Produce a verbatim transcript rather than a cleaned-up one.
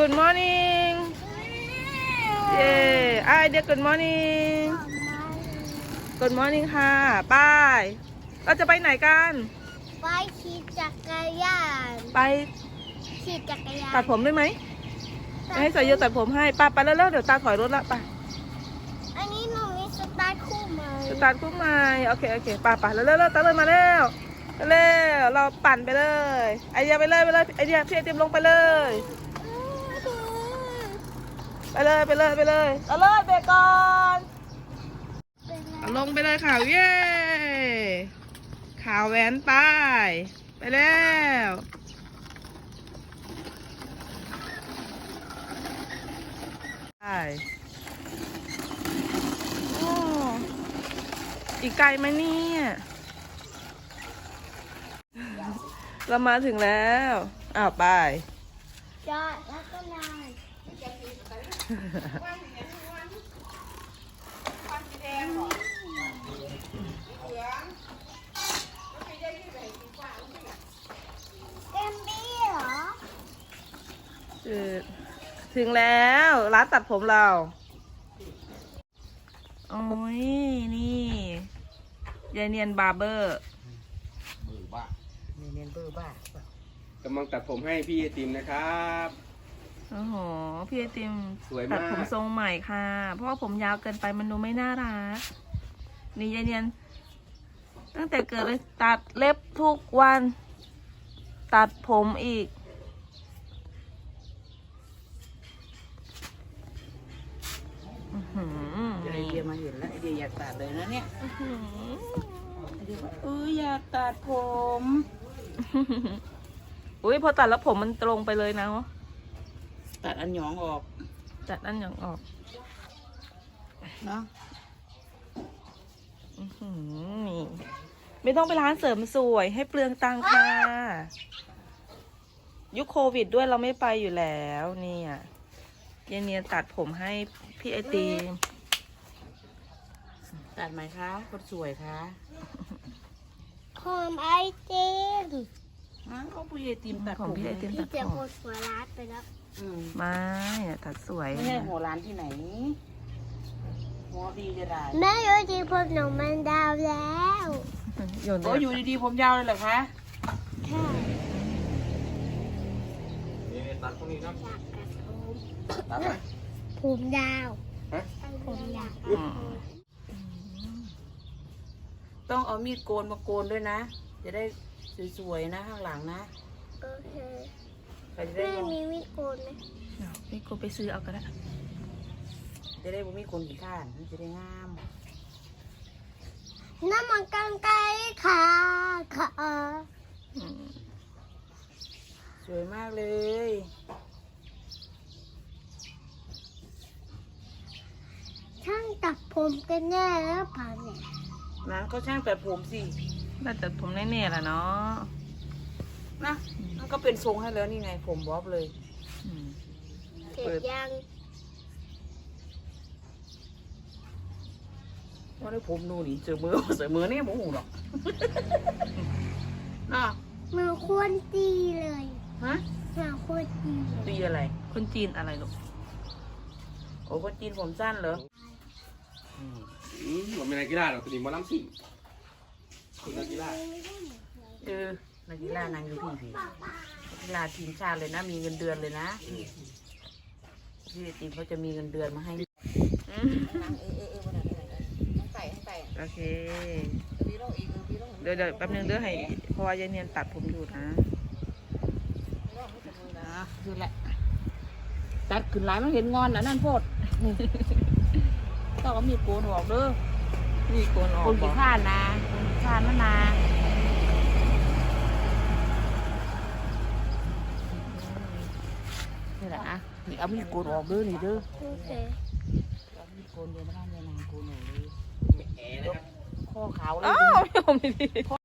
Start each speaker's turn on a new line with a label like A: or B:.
A: Good morning เย้ไอเดีย Good morning Good morning ค่ะป้ายเราจะไปไหนกัน
B: ไปขี่จักรยาน
A: ไป
B: ขี่จักรยาน
A: ตัดผมได้ไหมให้สายโยตัดผมให้ป้าไปแล้วๆเดี๋ยวตาถอยรถละป้า
B: อันนี้หนูมีสตาร์ทคู่ใหม่
A: สตาร์ทคู่ใหม่โอเคโอเคป้าไปแล้วๆตาเลยมาแล้วเร็วเราปั่นไปเลยไอเดียไปเลยไปเลยไอเดียพี่ไอติมลงไปเลยไปเลยไปเลยไปเลยเอาเลยเบรกก่อนลงไปเลยค่ะเย้ข่าวแหวนไปไปแล้วไปโอ้อีกไกลไหมเนี่ยเรามาถึงแล้วอ้าวไป
B: จอดแล้วก็นอนเต็มบี้เหรอ
A: ถึงแล้วร้านตัดผมเราโอ้ยนี่ยายเนียนบาร์เบอร์
C: เบอร์บ้า
D: เนียนเบอร์บ้าก
C: ำลังตัดผมให้พี่ไอติมนะครับ
A: โอ้โหพี่ไอติม
C: สวยมาก
A: ตัดผมทรงใหม่ค่ะเพราะว่าผมยาวเกินไปมันดูไม่น่ารักนี่ยายเนียนตั้งแต่เกิดเลยตัดเล็บทุกวันตัดผมอีก
D: ไอเดียมาเห็นแล้วไอเดียอยากตัดเลยนะเนี่ยไอเดียว่าเอออยากตัดผม
A: อุ้ยพอตัดแล้วผมมันตรงไปเลยนะ
D: ตัดอันหยองออก
A: ตัดอันหยองออก
D: เนาะ
A: นี่ไม่ต้องไปร้านเสริมสวยให้เปลืองตังค่ะยุคโควิดด้วยเราไม่ไปอยู่แล้วเนี่ยเยเนียตัดผมให้พี่ไอติม
D: ตัดไหมคะคนสวยคะ
B: ผมไอติม
D: อ๋อก็พี่ไอติมตัด
A: ของพี่ไอติมตัดผม
B: พี่เจ้าคนหัวร้านไปแล้ว
A: ไม่ตัดสวย
D: ไม่ใช่หัวร้านที่ไหนหัวดีจะได้
B: แม่อยู่ดีผมหนูมันดาวแล้ว
D: โอ้อยู่ดีๆผมยาวเลยเหรอคะ
B: ใช่
C: ตัดตรงนี้ครับ
B: ตัดไหมผมยาวผมยาว
D: ต้องเอามีดโกนมาโกนด้วยนะจะได้สวยๆนะข้างหลังนะ
B: โอเค
D: แม่
B: มีมีดโกนไหม
A: มีดโกนไปซื้อเอาก็ได้
D: จะได้บ่มีคนขี้ข้านจะได้งาม
B: น้ำมันกันไกลค่ะค่ะ
D: สวยมากเลย
B: ช่างตัดผมกันแน่แล้วป่ะเนี่ย
D: นั้นก็ช่างตัดผมสิ
A: น่าตัดผมแน่ๆแหละเนาะ
D: นะมันก็เป็นทรงให้แล้วนี่ไงผมบ๊อบเลย
B: เสร็จยัง
D: ว่าได้ผมดูนี่เจอมือใส่มือเนี่ยโมโหหรอกน่ะ
B: มือควรตีเลย
D: ฮะ
B: มือควรตี
D: ตีอะไร
A: คนจีนอะไรลูก
D: โอ้คนจีนผมสั้นเหรอ
C: อืมมันเป็นนักกีฬาหรอกตัวนี้มันล้ำสิ่งคนนักกีฬา
D: เออนักกีฬานางอยู่ที่พี่นักกีฬาทีมชาติเลยนะมีเงินเดือนเลยนะพี่ทีมเขาจะมีเงินเดือนมาให้
A: โอเคเดี๋ยวเดี๋ยวแป๊บนึงเดี๋ยวให้เพราะว่ายายเนียนตัดผมอยู่นะ
D: คือแหละตัดขึ้นหลายมันเห็นงอนนะนั่นโพดต้องเอามีโกนออกเด้อ
A: มีโกนออก
D: คนขี้ข้านนะคนขี้ข้านมะนานี่แหละนะนี่เอามีโกนออกเด้อนี่เด้อ
B: โอเค
D: เอามีโกนเดี๋ยวมาทำยานางโกนออกเลยข้อขาวเลย
A: อ้าวไม่ผมไม่ดี
D: ข้อ